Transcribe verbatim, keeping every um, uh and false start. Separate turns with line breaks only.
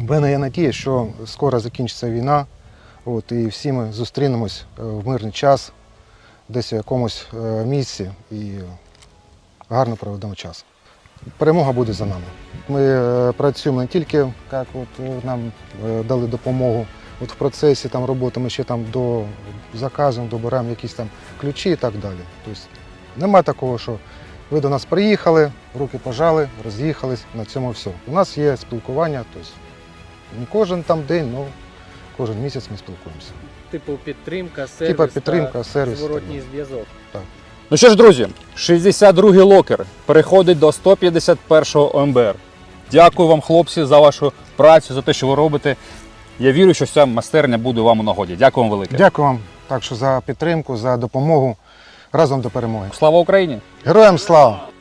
В мене є надія, що скоро закінчиться війна, от, і всі ми зустрінемось в мирний час, десь в якомусь місці і гарно проведемо час. Перемога буде за нами. Ми працюємо не тільки, як от нам дали допомогу от в процесі там, роботи, ми ще там до заказу добираємо якісь там ключі і так далі. Тобто немає такого, що ви до нас приїхали, руки пожали, роз'їхались, на цьому все. У нас є спілкування, тобто не кожен там день, але кожен місяць ми спілкуємося.
Типу підтримка, сервіс,
Типа підтримка,
та
сервіс,
зворотній
так.
зв'язок.
Так.
Ну що ж, друзі, шістдесят другий локер переходить до сто п'ятдесят першого О Ем Бе Ер. Дякую вам, хлопці, за вашу працю, за те, що ви робите. Я вірю, що ця майстерня буде вам у нагоді. Дякую вам велике.
Дякую вам так, що за підтримку, за допомогу. Разом до перемоги.
Слава Україні!
Героям слава!